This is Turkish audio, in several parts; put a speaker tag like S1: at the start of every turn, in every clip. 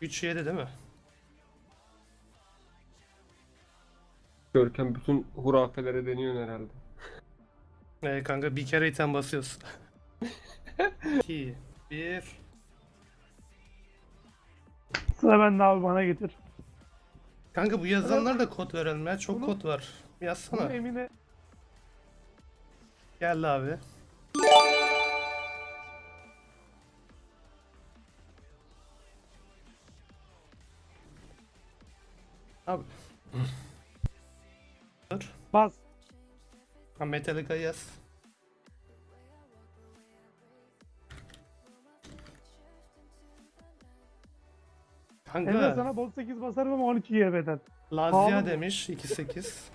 S1: 3-7 değil mi?
S2: Görkem bütün hurafelere deniyorsun herhalde.
S1: Kanka bir kere item basıyorsun. 2, 1.
S3: Sıra bende abi, bana getir.
S1: Kanka bu yazanlar da kod verelim ya. Çok
S3: Bunu-
S1: kod var.
S3: Bunu
S1: Yazsana.
S3: Emine
S1: Geldi abi. Abi. Dur.
S3: bas.
S1: Ha, Metallica yaz.
S3: Emre
S1: Kanka
S3: sana bot 8 basarım ama 12 GB'den.
S1: Lazia
S3: Pahalı mı?
S1: demiş 2.8.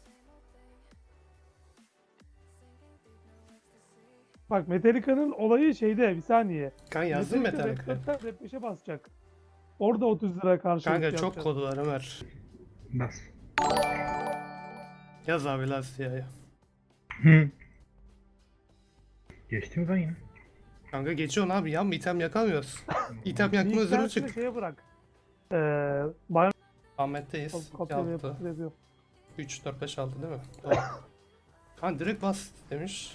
S3: Bak Metallica'nın olayı şeyde, bir saniye.
S1: Kanka yazdın mı
S3: Metallica
S1: Metallica?
S3: Rap 4'ten Rap 5'e basacak. Orada 30 lira karşılık
S1: Kanka çok
S3: yapacak.
S1: kodu var Ömer.
S4: Bas.
S1: Yaz abi Lazia'yı.
S4: Hı. Geçti mi ben ya?
S1: Kanka geçiyorsun abi ya, item yakamıyoruz. İtem yakma özürü
S3: Bilgisayarını
S1: çık.
S3: şeye bırak. Bayan
S1: Ahmet'teyiz.
S3: kopya
S1: Yaptı.
S3: yapıyor.
S1: 3, 4, 5, 6 değil mi? Doğru. Kanka direkt bas demiş.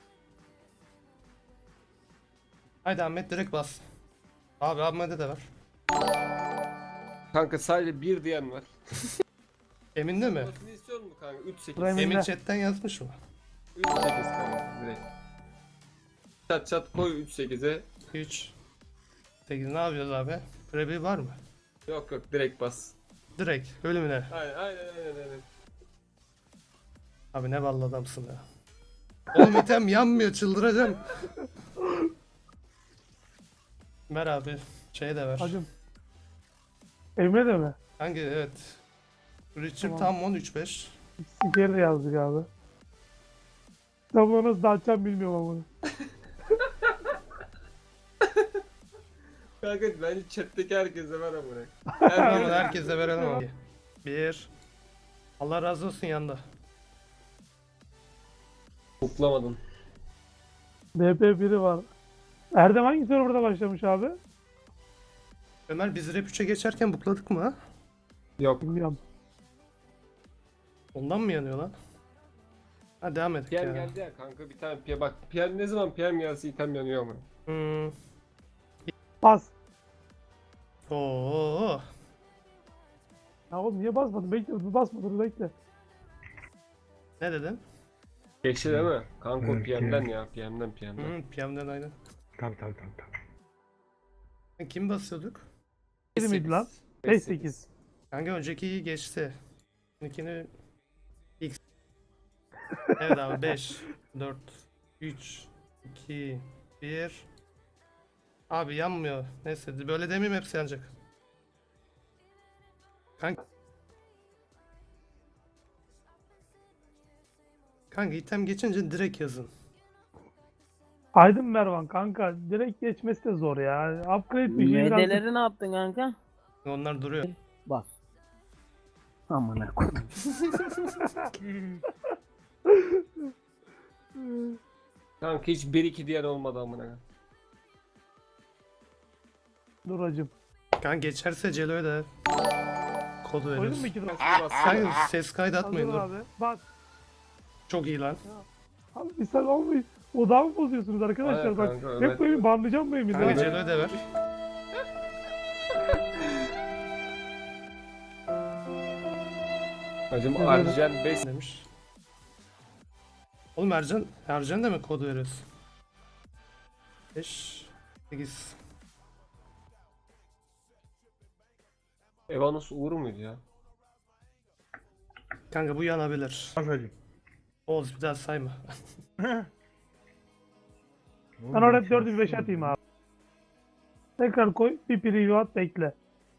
S1: Haydi Ahmet direkt bas. Abi Ahmet'e de ver.
S2: Kanka sadece bir diyen var.
S1: Emin değil mi?
S2: Basını istiyor musun kanka? 3-8.
S3: Buraya
S1: Emin
S3: Emine.
S1: chatten yazmış mı?
S2: 3-8 kanka direkt. Çat çat koy 3-8'e.
S1: 3, 8 ne yapıyoruz abi? Prebi var mı?
S2: Yok yok direkt bas.
S1: Direkt ölümüne.
S2: Aynen.
S1: Abi ne ballı adamsın ya. Oğlum item yanmıyor, çıldıracağım. Ver abi. Şey de ver.
S3: Hacım. Emre de mi?
S1: Hangi evet. Richard
S3: Tamam.
S1: tam 10 3-5.
S3: Sikeri de yazdık abi. Tam bunu nasıl dağıtacağım bilmiyorum ama bunu.
S2: Kanka bence chat'teki herkese ver amına.
S1: Tamam herkese verelim abi. 1. Allah razı olsun yanda.
S2: Buklamadın.
S3: BP biri var. Erdem hangi serverda başlamış abi?
S1: Ömer biz rap 3'e geçerken bukladık mı ha?
S2: Yok.
S3: Bilmiyorum.
S1: Ondan mı yanıyor lan? Ha devam edelim
S2: PM
S1: ya.
S2: geldi ya kanka bir tane PM bak. PM ne zaman PM gelse item yanıyor ama.
S1: Hmm.
S3: Bas.
S1: Oo.
S3: Ya oğlum niye basmadın? Bekle, basmadın, bekle.
S1: Ne dedin?
S2: Geçti değil mi? Kanka o
S4: Evet,
S2: PM'den
S4: PM.
S2: ya. PM'den.
S1: PM'den aynen.
S4: Tabii.
S1: Kim basıyorduk?
S3: 7 miydi lan? 5-8.
S1: Kanka öncekiyi geçti. İkini X. Evet abi 5, 4, 3, 2, 1. Abi yanmıyor. Neyse böyle demeyeyim, hepsi yanacak. Kanka item geçince direkt yazın.
S3: Aydın Mervan kanka, direkt geçmesi de zor ya. Upgrade bir şey birazcık.
S5: Medeleri ne yaptın kanka?
S1: Onlar duruyor.
S5: Bas. Amına koydum.
S2: Kanka hiç 1-2 diyen olmadı amına.
S3: Dur hacım.
S1: Kanka geçerse Celo'ya da kodu
S3: Koydun
S1: veriyoruz.
S3: mu 2 lira?
S1: Kanka ses kaydı atmayın
S3: Hazır
S1: dur.
S3: abi. Bas.
S1: Çok iyi lan.
S3: Abi bir sen olmayın. Odağı mı bozuyorsunuz arkadaşlar?
S2: Aynen
S3: Bak
S2: kanka, Ömer-
S3: hep böyle banlayacağım bu Emin'i.
S1: Kanka
S3: ha.
S1: Celo'ya da ver.
S2: Hacım
S3: Evet.
S2: Arjen 5
S1: Demiş. Oğlum Ercan da mı kodu veriyorsun? 5, 8.
S2: Evanos Uğur muydu ya?
S1: Kanka bu yanabilir.
S4: Bas hacım.
S1: Oğuz bir daha sayma.
S3: Ben oraya 4'ü bir 5 atayım abi. Tekrar koy. Bir preview at, bekle.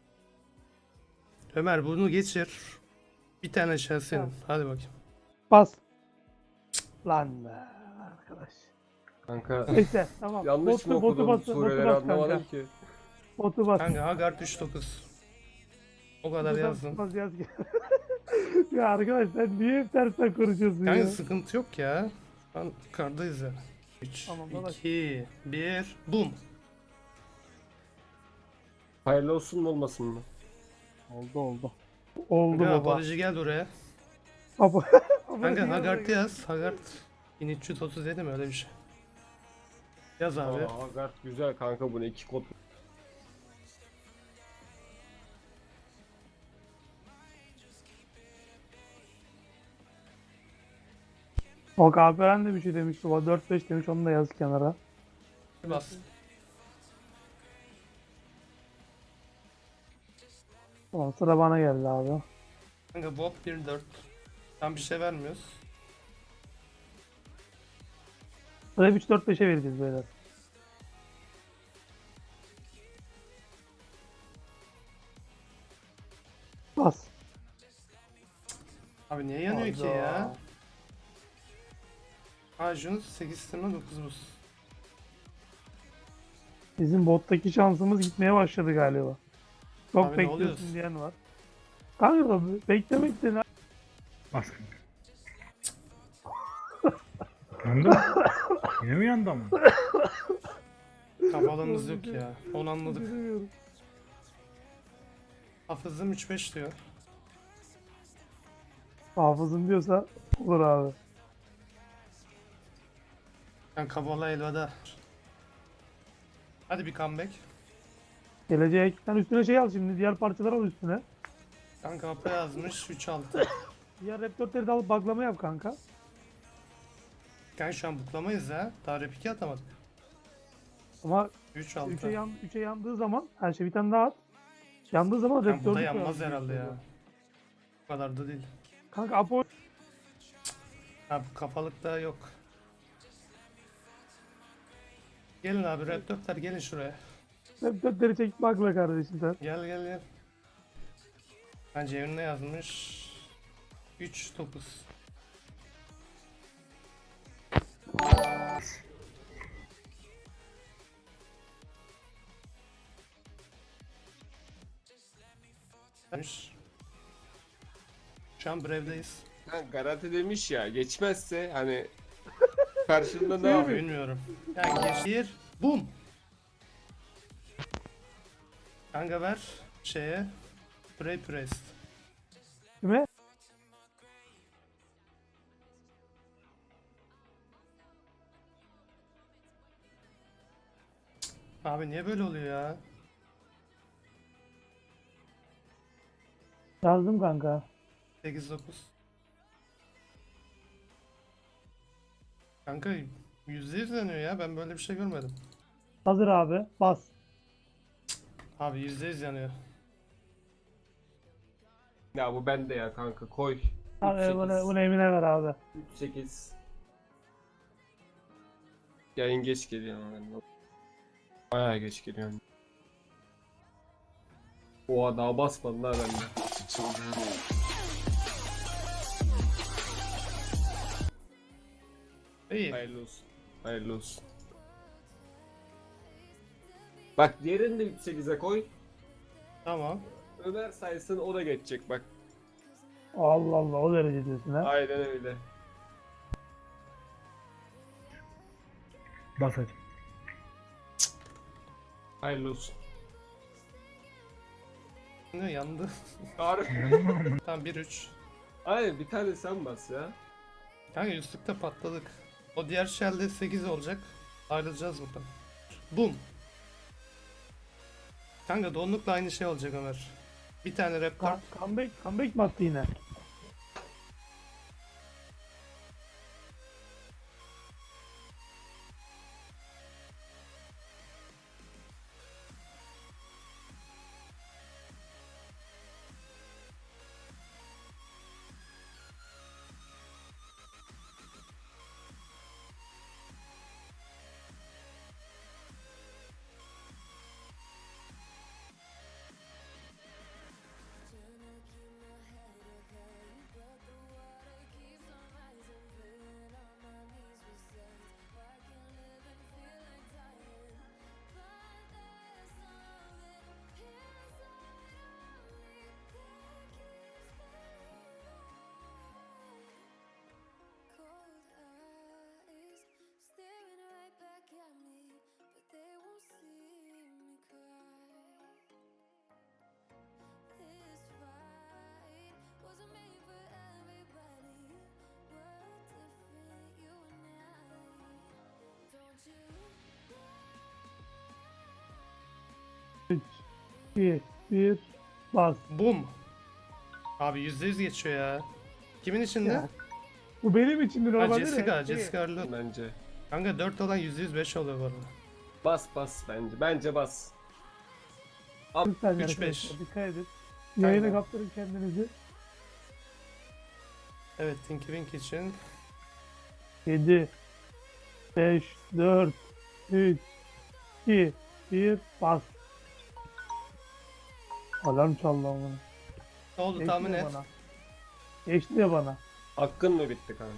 S1: Ömer bunu geçir. Bir tane şey senin.
S3: Tamam.
S1: Hadi bakayım.
S3: Bas. Lan be arkadaş.
S2: Kanka
S3: Neyse tamam.
S2: yanlış mı
S3: botu
S2: okudum
S3: bas,
S2: sureleri
S3: botu bas
S2: anlamadım
S3: kanka.
S2: ki.
S3: Botu bas.
S1: Kanka Hagar 39. O kadar
S3: Botu
S1: yazdın.
S3: bas, yaz. Ya arkadaş sen niye hep tersten konuşuyorsun
S1: Kanka
S3: ya?
S1: sıkıntı yok ya. Şu an kardayız ya. 3,
S3: Tamam, dolaş.
S1: 2, 1, boom.
S2: Hayırlı olsun mu olmasın mı?
S5: Oldu oldu.
S3: Oldu
S1: Kanka
S3: baba.
S1: apoloji gel oraya.
S3: Baba.
S1: Kanka Hagart yaz. Hagart 1337 mi öyle bir şey. Yaz abi.
S2: Aa, Hagart güzel kanka, bu ne 2 kod.
S3: O Alperen de bir şey demiş baba. 4-5 demiş, onu da yaz kenara.
S1: Bas.
S3: Tamam, sıra bana geldi abi.
S1: Kanka Bob 1-4. Tam bir şey vermiyoruz.
S3: Sıra 3-4-5'e vereceğiz beyler. Bas.
S1: Abi niye yanıyor ki
S3: Hayda.
S1: ya? Ajun 8 tırna 9 buz.
S3: Bizim bottaki şansımız gitmeye başladı galiba. Çok
S1: Abi ne
S3: bekliyorsun
S1: oluyorsun?
S3: diyen var. Kanka da beklemek de ne?
S4: Bas kanka. Yandı mı? Yine mi yandı ama?
S1: Kafalığımız yok ya. Onu anladık.
S3: Bilmiyorum.
S1: Hafızım 3-5 diyor.
S3: Hafızım diyorsa olur abi.
S1: Yani kavala elveda. Hadi bir comeback.
S3: Gelecek. Sen üstüne şey al şimdi. Diğer parçalar al üstüne.
S1: Kanka Apo yazmış 3-6.
S3: Diğer Raptor'ları da alıp baklama yap kanka.
S1: Kanka şu an buklamayız ya. Daha rep 2 atamadık.
S3: Ama
S1: 3-6.
S3: 3'e yandığı zaman her şey bir tane daha at. Yandığı zaman
S1: Kanka bu
S3: Raptor'u
S1: da yanmaz herhalde ya. Bu kadar da değil.
S3: Kanka Apo
S1: Ha bu kafalık da yok. Gelin abi Raptor'lar gelin şuraya.
S3: Raptor'ları çek bakla kardeşim sen.
S1: Gel gel gel. Bence evine yazmış. 3-9. Demiş. Şu an Brave'deyiz.
S2: Ha, garanti demiş ya, geçmezse hani karşında ne
S1: Abi
S2: yapıyor?
S1: bilmiyorum. Yani geçir. Bum. Kanka ver şeye. Pray Priest.
S3: Kime?
S1: Abi niye böyle oluyor ya?
S3: Yazdım kanka.
S1: 8-9. Kanka %100 yanıyor ya. Ben böyle bir şey görmedim.
S3: Hazır abi. Bas.
S1: Abi %100 yanıyor.
S2: Ya bu bende ya kanka, koy.
S3: Abi bunu Emine ver abi.
S2: 3-8. Yayın geç geliyor ama ben. Bayağı geç geliyor. Oha daha basmadı daha bende.
S1: İyi.
S2: Hayırlı olsun. Hayırlı olsun. Bak diğerini de 3-8'e koy.
S1: Tamam.
S2: Ömer sayısın, o da geçecek bak.
S3: Allah Allah, o derece diyorsun ha.
S2: Aynen öyle.
S4: Bas hadi.
S2: Hayırlı olsun.
S1: Ne yandı?
S2: Harbi.
S4: Yandı mı ama?
S1: Tamam 1-3.
S2: Aynen, bir tane sen bas ya.
S1: Kanka üstlükte patladık. O diğer shell'de 8 olacak. Ayrılacağız buradan. Boom. Kanka donlukla aynı şey olacak Ömer. Bir tane rap kart.
S3: Comeback mi attı yine? 2, 1, bas.
S1: Boom. Abi %100 geçiyor ya. Kimin içinde?
S3: Ya, Bu benim için
S1: Ha
S3: normalde de.
S1: Jessica, Jessica Arlo.
S2: Bence.
S1: Kanka 4 olan %105 oluyor bu arada.
S2: Bas bence. Bence bas.
S3: Lütfen
S1: 3-5.
S3: arkadaşlar, dikkat edin. Yayına
S2: Aynen.
S3: kaptırın kendinizi.
S1: Evet Tinky Winky için
S3: 7, 5, 4, 3, 2, 1, bas. Alarm çaldı ama.
S1: ne oldu
S3: Geçti
S1: tahmin
S3: ya
S1: et.
S3: bana. Geçti ya bana.
S2: Hakkın mı bitti kanka?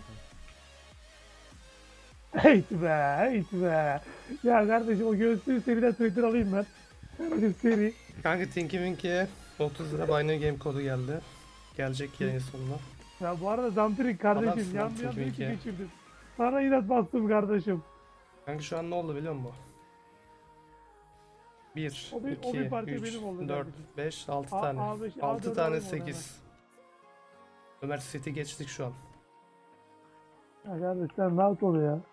S3: Heyt be, heyt be. Ya kardeşim o göğsü seriden Twitter alayım ben. Kardeşim seri.
S1: Kanka Tinky Winky'ye 30 lira Binary Game kodu geldi. Gelecek yayın sonuna.
S3: Ya bu arada Zampirik kardeşim
S1: Adamsın
S3: yan
S1: lan
S3: yan
S1: Tinky
S3: bir iki
S1: Winky.
S3: geçirdim. Sana inat bastım kardeşim.
S1: Kanka şu an ne oldu biliyor musun? 1,
S3: O bir
S1: 2,
S3: parti
S1: 3,
S3: benim oldu
S1: 4,
S3: kardeşim.
S1: 5, 6
S3: A-
S1: tane.
S3: A5,
S1: 6
S3: A4
S1: tane
S3: alayım onu
S1: 8. Ömer City geçtik şu an.
S3: Ya kardeş sen rahat ol ya.